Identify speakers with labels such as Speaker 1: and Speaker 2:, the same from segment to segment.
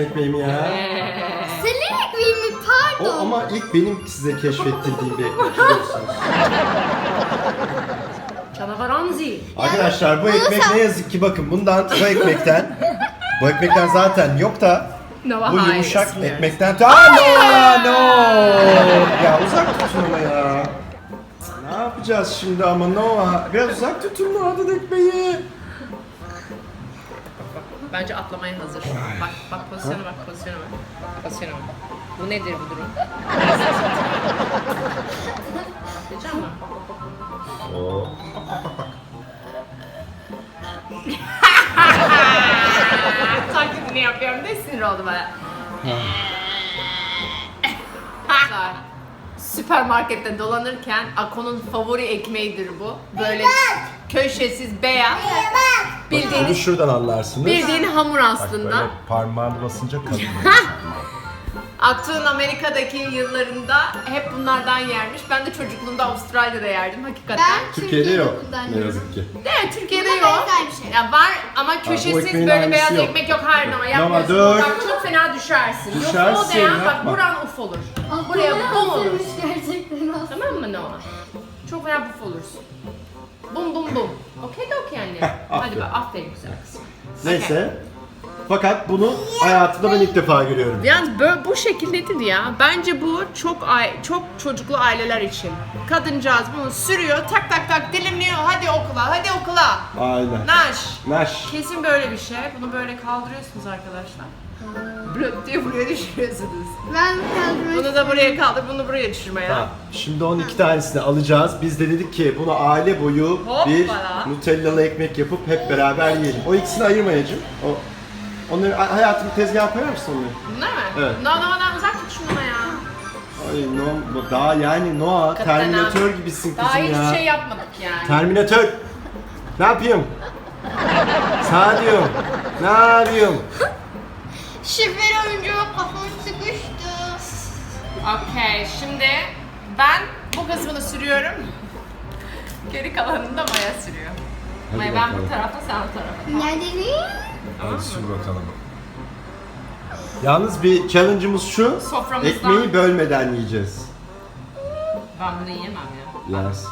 Speaker 1: ekmeğim ya.
Speaker 2: Senin ekmeğin mi? Pardon.
Speaker 1: O ama ilk benim size keşfettirdiğim bir ekmek biliyorsunuz.
Speaker 3: Canavar Anzi.
Speaker 1: Arkadaşlar bu
Speaker 2: bunu
Speaker 1: ekmek
Speaker 2: sen-
Speaker 1: ne yazık ki bakın bu ekmekten zaten yok da
Speaker 3: Nova
Speaker 1: bu
Speaker 3: High
Speaker 1: yumuşak
Speaker 3: istiyoruz.
Speaker 1: ekmekten no. Ya uzak tutun ama ya. Ne yapacağız şimdi ama Noah? Biraz uzak tutun Noah'dan ekmeği.
Speaker 3: Bence atlamaya hazır. Bak pozisyona bak. Pozisyona bak. Bu nedir bu durum? Diyeceğim mi? Taklidini yapıyorum ne sinir oldu bana. Süpermarkette dolanırken Ako'nun favori ekmeğidir bu. Böyle köşesiz beyaz.
Speaker 1: Bunu
Speaker 3: Bildiğiniz
Speaker 1: şuradan anlarsınız.
Speaker 3: bildiğin hamur
Speaker 1: Bak
Speaker 3: aslında.
Speaker 1: böyle parmağını basınca kalıyor.
Speaker 3: Aktuğ'un Amerika'daki yıllarında hep bunlardan yermiş. Ben de çocukluğumda Avustralya'da yerdim hakikaten.
Speaker 2: Ben
Speaker 1: Türkiye'de yok
Speaker 2: kullanıyorum.
Speaker 1: ne yazık ki.
Speaker 3: Değil mi? Türkiye'de
Speaker 2: Buna
Speaker 3: yok.
Speaker 2: benzer bir şey.
Speaker 3: Ya var ama köşesiz
Speaker 1: ekmeğin
Speaker 3: böyle
Speaker 1: aynısı
Speaker 3: beyaz
Speaker 1: yok.
Speaker 3: ekmek yok. Hayır ama yapmıyorsun.
Speaker 1: dur.
Speaker 3: Bak çok fena düşersin. Yok o
Speaker 1: Düşersin,
Speaker 3: değen bak
Speaker 1: yapma.
Speaker 3: buran uf olur.
Speaker 2: Ah,
Speaker 3: Buraya
Speaker 2: kolay
Speaker 3: bum olur.
Speaker 2: hazırmış gerçekten aslında.
Speaker 3: Tamam mı Noah? Çok fena buf olursun. Bum bum bum. Okey de okey anne. Hadi
Speaker 1: aferin.
Speaker 3: bak aferin güzel kızım.
Speaker 1: Neyse. Fakat bunu hayatımda ben ilk defa görüyorum.
Speaker 3: Yalnız böyle bu şekildedir ya. Bence bu çok çocuklu aileler için. Kadıncağız bunu sürüyor, tak tak tak dilimliyor. Hadi okula.
Speaker 1: Aynen.
Speaker 3: Naş.
Speaker 1: Naş.
Speaker 3: Kesin böyle bir şey. Bunu böyle kaldırıyorsunuz arkadaşlar. Blöp diye buraya düşürüyorsunuz.
Speaker 2: Ben kaldırmak
Speaker 3: Bunu da buraya kaldır, bunu buraya düşürme ya.
Speaker 1: Tamam. Şimdi 12 tanesini alacağız. Biz de dedik ki bunu aile boyu bir
Speaker 3: Hoppala.
Speaker 1: Nutellalı ekmek yapıp hep beraber yiyelim. O ikisini ayırmayacağım. Onları hayatımı tezgaha koyar mısın onları?
Speaker 3: Bunlar mı?
Speaker 1: Evet.
Speaker 3: Noah'dan uzak tut şunu ya.
Speaker 1: Ay daha yani Noah
Speaker 3: Hakikaten
Speaker 1: Terminator
Speaker 3: abi.
Speaker 1: gibisin
Speaker 3: Daha
Speaker 1: kızım
Speaker 3: hiçbir
Speaker 1: ya.
Speaker 3: şey yapmadık yani.
Speaker 1: Terminator. Ne yapayım? Sana diyorum. Ne yapıyorum?
Speaker 2: Şifre oyuncuğa kafam sıkıştı.
Speaker 3: Okey, şimdi ben bu kısmını sürüyorum. Geri kalanını da Maya sürüyor.
Speaker 1: Hadi
Speaker 3: Maya ben
Speaker 1: bakalım.
Speaker 3: bu tarafa, sen o tarafa.
Speaker 2: Nerede?
Speaker 1: Hadi sür bakalım. Yalnız bir challenge'ımız şu.
Speaker 3: Soframızdan-
Speaker 1: Ekmeği bölmeden yiyeceğiz.
Speaker 3: Ben bunu yiyemem ya.
Speaker 1: Yes.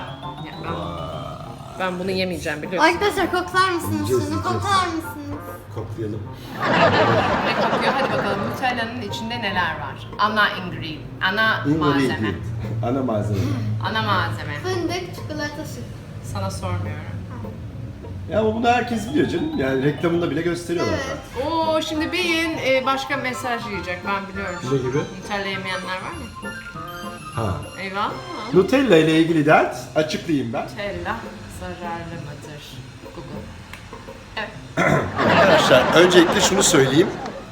Speaker 3: Ben bunu yemeyeceğim biliyorsun.
Speaker 2: Arkadaşlar koklar mısınız?
Speaker 1: Yiyeceğiz,
Speaker 2: Şunu
Speaker 1: yiyeceğiz.
Speaker 2: koklar mısınız?
Speaker 1: Koklayalım.
Speaker 3: Ne kokuyor? Hadi bakalım Nutella'nın içinde neler var? Ana malzeme.
Speaker 1: Ingredient. Ana malzeme.
Speaker 3: Ana malzeme.
Speaker 2: Fındık, çikolata süt.
Speaker 3: Sana sormuyorum.
Speaker 1: Ya ama bunu herkes biliyor canım. Yani reklamında bile gösteriyorlar.
Speaker 2: Evet.
Speaker 3: Oo şimdi beyin başka mesaj yiyecek ben biliyorum.
Speaker 1: Ne gibi?
Speaker 3: Nutella yemeyenler var mı?
Speaker 1: Ha.
Speaker 3: Eyvah.
Speaker 1: Nutella ile ilgili dert açıklayayım ben.
Speaker 3: Nutella zararlı mıdır? Google. Evet.
Speaker 1: Arkadaşlar öncelikle şunu söyleyeyim.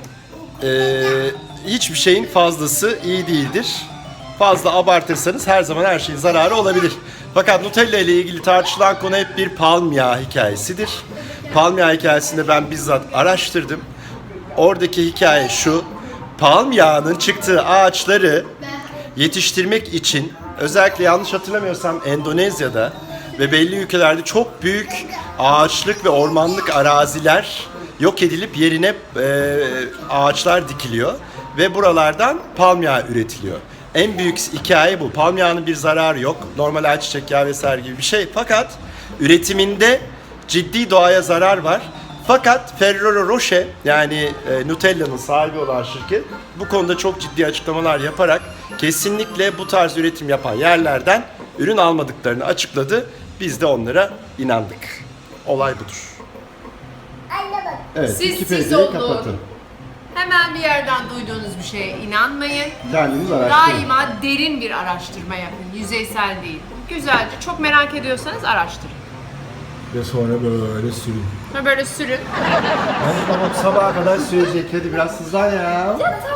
Speaker 1: Hiçbir şeyin fazlası iyi değildir. Fazla abartırsanız her zaman her şeyin zararı olabilir. Fakat Nutella ile ilgili tartışılan konu hep bir palm yağı hikayesidir. Palm yağı hikayesinde ben bizzat araştırdım. Oradaki hikaye şu. Palm yağının çıktığı ağaçları yetiştirmek için özellikle yanlış hatırlamıyorsam Endonezya'da ve belli ülkelerde çok büyük ağaçlık ve ormanlık araziler yok edilip yerine ağaçlar dikiliyor ve buralardan palm yağı üretiliyor. En büyük hikaye bu. Palm yağının bir zararı yok. Normal ayçiçek yağı vesaire gibi bir şey. Fakat üretiminde ciddi doğaya zarar var. Fakat Ferrero Rocher yani Nutella'nın sahibi olan şirket bu konuda çok ciddi açıklamalar yaparak kesinlikle bu tarz üretim yapan yerlerden ürün almadıklarını açıkladı. Biz de onlara inandık. Olay budur. Evet,
Speaker 3: Siz
Speaker 1: Wikipedia'yı
Speaker 3: olun.
Speaker 1: kapatın.
Speaker 3: Hemen bir yerden duyduğunuz bir şeye inanmayın.
Speaker 1: Kendiniz araştırın.
Speaker 3: Daima derin bir araştırma yapın. Yüzeysel değil. Güzelce çok merak ediyorsanız araştırın.
Speaker 1: Ve sonra böyle sürün.
Speaker 3: Ve böyle sürün.
Speaker 1: Hadi babam sabaha kadar sürecek. Hadi biraz hızlan ya.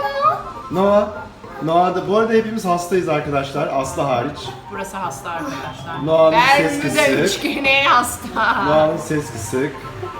Speaker 1: Noah da bu arada hepimiz hastayız arkadaşlar. Aslı hariç.
Speaker 3: Burası hasta arkadaşlar.
Speaker 1: Noah'nın ses
Speaker 3: Bermuda
Speaker 1: kısık.
Speaker 3: üçgeni hasta.
Speaker 1: Noah'nın ses kısık.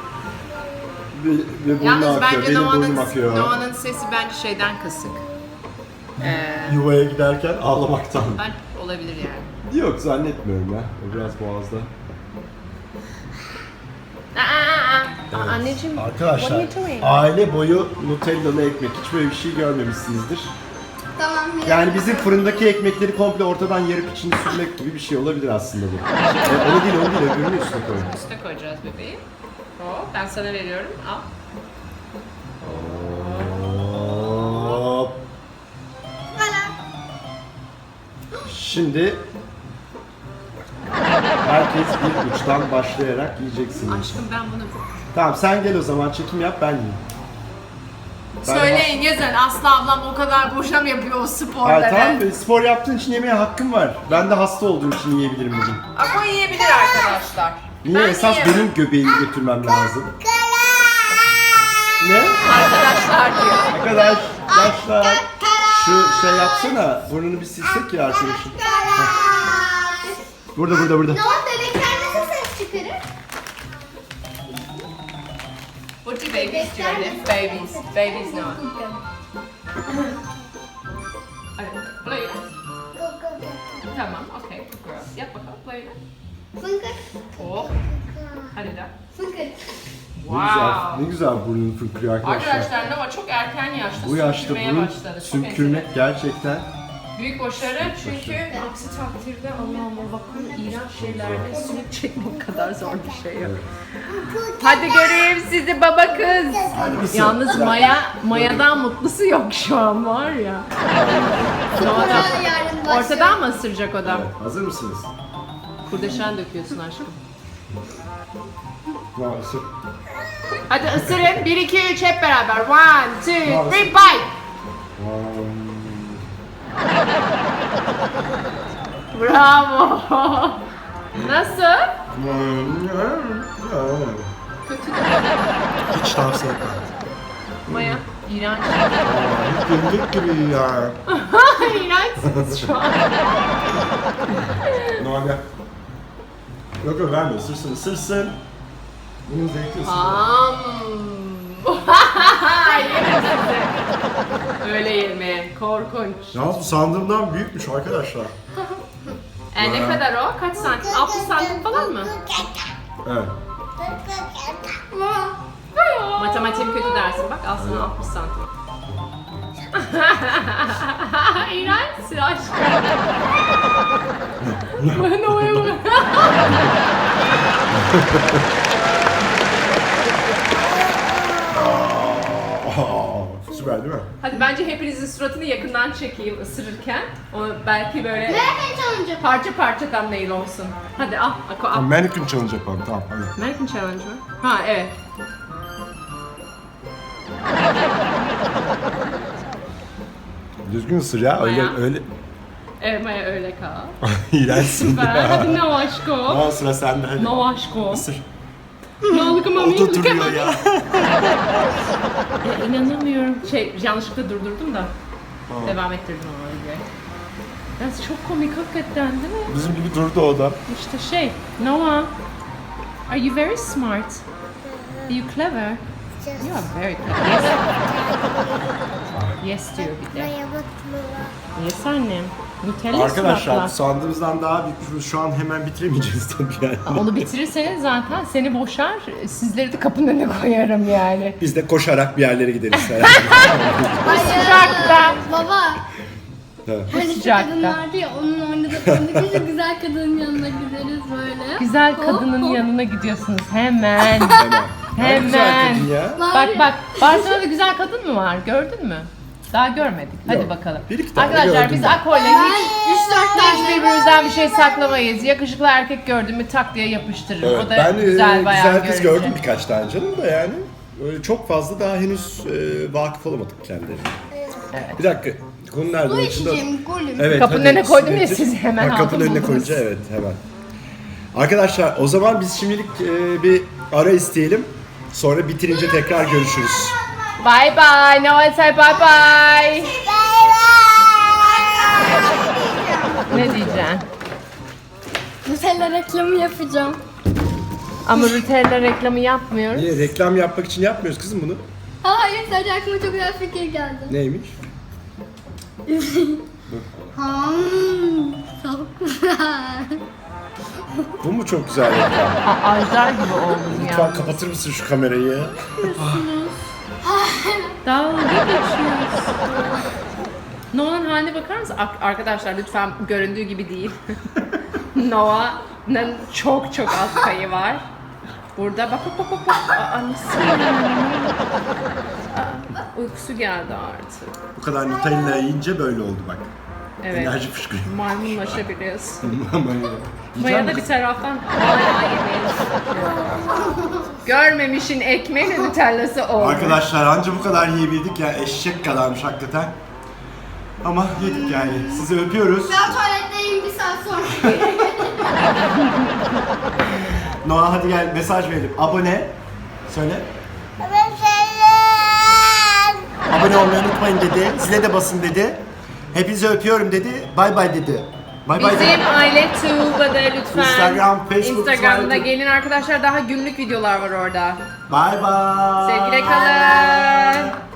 Speaker 1: Ve burnu
Speaker 3: Yalnız
Speaker 1: akıyor.
Speaker 3: bence
Speaker 1: Benim burnum akıyor.
Speaker 3: Noah'nın sesi bence şeyden kısık.
Speaker 1: Yuvaya giderken ağlamaktan.
Speaker 3: Ben olabilir yani.
Speaker 1: Yok zannetmiyorum ya. O biraz boğazda.
Speaker 3: Aa, Anneciğim,
Speaker 1: Arkadaşlar,
Speaker 3: what are you doing?
Speaker 1: aile boyu Nutellalı ekmek. Hiç böyle bir şey görmemişsinizdir.
Speaker 2: Tamam.
Speaker 1: Yani bizim fırındaki ekmekleri komple ortadan yarıp içini sürmek gibi bir şey olabilir aslında bu. Onu değil, öbürünü üstüne koyun.
Speaker 3: Üstüne koyacağız bebeğim. Hop, ben sana veriyorum. Al.
Speaker 1: Hop. Şimdi herkes bir uçtan başlayarak yiyeceksiniz.
Speaker 3: Aşkım ben bunu...
Speaker 1: Tamam sen gel o zaman çekim yap ben yiyeyim. Ben
Speaker 3: Söyleyin yazın, Aslı ablam o kadar boşa mı yapıyor o sporları?
Speaker 1: Tamam spor yaptığın için yemeye hakkım var. Ben de hasta olduğum için yiyebilirim bugün.
Speaker 3: Ama yiyebilir arkadaşlar.
Speaker 1: Niye?
Speaker 3: Ben
Speaker 1: Esas
Speaker 3: yiyemem.
Speaker 1: benim göbeğimi götürmem lazım. Ne?
Speaker 3: Arkadaşlar diyor.
Speaker 1: Arkadaşlar şu şey yapsana, burnunu bir silsek ya arkadaşım. Burada.
Speaker 2: Ne o bebekler nasıl ses çıkarır?
Speaker 3: What do babies do? Babies. Babies no. Play it. Tamam, okay. Good girl. Yap bakalım, play it.
Speaker 2: Fınkır.
Speaker 3: Oh. Hadi de.
Speaker 2: Fınkır.
Speaker 1: Ne güzel burnunu fırkırıyor arkadaşlar.
Speaker 3: Arkadaşlar Nova çok erken yaşta
Speaker 1: Bu yaşta
Speaker 3: sümkürmeye
Speaker 1: burun
Speaker 3: başladı. Çok
Speaker 1: sümkürmek gerçekten
Speaker 3: büyük başarı çünkü aksi takdirde Allah'ıma bakın iğrenç şeylerde sümük çekmek kadar zor bir şey yok. Hadi göreyim sizi baba kız.
Speaker 1: mısın?
Speaker 3: Yalnız Maya'dan mutlusu yok şu an var ya. Nova'da
Speaker 2: Yarın başlıyor.
Speaker 3: ortadan mı ısıracak o da?
Speaker 1: Evet, hazır mısınız?
Speaker 3: Kurdeşen döküyorsun aşkım.
Speaker 1: Nasıl?
Speaker 3: Hadi ısırın. 1, 2, 3 hep beraber. 1, 2, 3, bite. Bravo. Nasıl? Kötü de.
Speaker 1: Hiç tavsiye etmem.
Speaker 3: Maya, iğrenç.
Speaker 1: Günlük gibi ya.
Speaker 3: İğrençsiniz şu an.
Speaker 1: Normal. Yok verme, ısırsın. Bunun zevkli ısırıyor.
Speaker 3: Yerim sizi. Öyle yemeyin. Korkunç.
Speaker 1: Yalnız bu sandığımdan büyükmüş arkadaşlar.
Speaker 3: Ne kadar o? Kaç santim? 60 santim falan mı?
Speaker 1: Evet.
Speaker 3: Matematiğim kötü dersin. Bak al sana 60 santim. İğrençsin aşkım. Ben oyum.
Speaker 1: Süper değil mi?
Speaker 3: Hadi bence hepinizin suratını yakından çekeyim ısırırken. O belki böyle
Speaker 2: Nereden çalınca?
Speaker 3: parça parça thumbnail olsun. Hadi al. Al.
Speaker 1: Mannequin challenge yapalım tamam hadi.
Speaker 3: American Challenge mı? Ha evet.
Speaker 1: Düzgün ısır ya
Speaker 3: Maya.
Speaker 1: öyle.
Speaker 3: Evet Maya öyle kal.
Speaker 1: İğrençsin
Speaker 3: Süper.
Speaker 1: ya.
Speaker 3: Hadi no aşko.
Speaker 1: Tamam sıra sende hadi.
Speaker 3: No aşko.
Speaker 1: Isır.
Speaker 3: No look at mommy.
Speaker 1: O da
Speaker 3: Look at
Speaker 1: duruyor
Speaker 3: mommy.
Speaker 1: ya.
Speaker 3: Ya inanamıyorum. Yanlışlıkla durdurdum da. Devam ettirdim ama öyle. Ya çok komik hakikaten değil mi?
Speaker 1: Bizim gibi durdu o da.
Speaker 3: İşte Noah. Are you very smart? Are you clever? You are very clever. Yes. Yes diyor bir de. Yes annem. Nutella
Speaker 1: Arkadaşlar
Speaker 3: suratla.
Speaker 1: sandığımızdan daha büyük şu an hemen bitiremeyeceğiz tabii yani.
Speaker 3: Onu bitirirseniz zaten seni boşar, sizleri de kapının önüne koyarım yani.
Speaker 1: Biz de koşarak bir yerlere gideriz herhalde.
Speaker 3: Sıcakta.
Speaker 2: Baba.
Speaker 1: Evet.
Speaker 2: Hani şu
Speaker 3: Sıcakta.
Speaker 2: kadın vardı ya onun oynadıklarında biz güzel kadının yanına gideriz böyle.
Speaker 3: Güzel
Speaker 2: Hop,
Speaker 3: kadının
Speaker 2: hop.
Speaker 3: yanına gidiyorsunuz hemen.
Speaker 1: Ne güzel
Speaker 3: Hemen.
Speaker 1: kadın ya.
Speaker 3: Bak Barcelona'da güzel kadın mı var? Gördün mü? Daha görmedik. Hadi
Speaker 1: Yok.
Speaker 3: bakalım.
Speaker 1: Bir iki tane
Speaker 3: Arkadaşlar
Speaker 1: gördüm
Speaker 3: biz
Speaker 1: ben.
Speaker 3: Ako'yla hiç
Speaker 2: 3-4 tane
Speaker 3: birbirimizden bir şey saklamayız. Yakışıklı erkek gördüm mü tak diye yapıştırırım.
Speaker 1: Evet,
Speaker 3: O da
Speaker 1: ben
Speaker 3: güzel bayan
Speaker 1: güzel kız
Speaker 3: görünce.
Speaker 1: gördüm birkaç tane canım da yani. Öyle çok fazla daha henüz vakıf olamadık kendilerine.
Speaker 3: Evet.
Speaker 1: Bir dakika. Konu nerede?
Speaker 2: Su
Speaker 1: Onun içinde-
Speaker 2: içeceğim golüm.
Speaker 1: Evet,
Speaker 3: Kapının
Speaker 1: hadi
Speaker 3: önüne koydum ya,
Speaker 1: getir.
Speaker 3: siz hemen
Speaker 1: Ha, kapının
Speaker 3: aldın
Speaker 1: önüne
Speaker 3: buldunuz.
Speaker 1: koyunca evet hemen. Arkadaşlar o zaman biz şimdilik bir ara isteyelim. Sonra bitirince tekrar görüşürüz.
Speaker 3: Bye bye. Noel say bye bye. Ne diyeceksin?
Speaker 2: Nutella reklamı yapacağım.
Speaker 3: Ama Nutella reklamı yapmıyoruz.
Speaker 1: Niye? Reklam yapmak için yapmıyoruz kızım bunu.
Speaker 2: Hayır sadece aklıma çok güzel fikir geldi.
Speaker 1: Neymiş?
Speaker 2: Çok güzel.
Speaker 1: Bu mu çok güzel reklam?
Speaker 3: Ajdar gibi oldum ya.
Speaker 1: Lütfen kapatır mısın şu kamerayı?
Speaker 3: Dalga geçiyoruz. Noah'nın haline bakar mısın? Arkadaşlar lütfen göründüğü gibi değil. Noah'nın çok çok az payı var. Burada bak. Aa, nasıl yani? Uykusu geldi artık.
Speaker 1: Bu kadar Nutella yiyince böyle oldu bak.
Speaker 3: Evet.
Speaker 1: Enerji fışkırıyor.
Speaker 3: Maymunlaşabiliyorsun.
Speaker 1: Yiyecek
Speaker 3: Maya da
Speaker 1: misin?
Speaker 3: bir taraftan hala yemeğini görmemişin ekmeğiyle nutellası oldu.
Speaker 1: Arkadaşlar anca bu kadar yiyebildik ya, eşek kadarmış hakikaten. Ama yedik yani. Sizi öpüyoruz.
Speaker 2: Ben tuvaletteyim, bir saat sonra.
Speaker 1: Noah hadi gel mesaj verelim. Abone. Söyle. Abone olmayı unutmayın dedi. Zile de basın dedi. Hepinizi öpüyorum dedi. Bay bay dedi. Bay bay dedi.
Speaker 3: Bizim aile Tuğba'da lütfen.
Speaker 1: Instagram, Facebook,
Speaker 3: Instagram'da
Speaker 1: Twitter.
Speaker 3: gelin arkadaşlar, daha günlük videolar var orada.
Speaker 1: Bay bay.
Speaker 3: Sevgiyle kalın.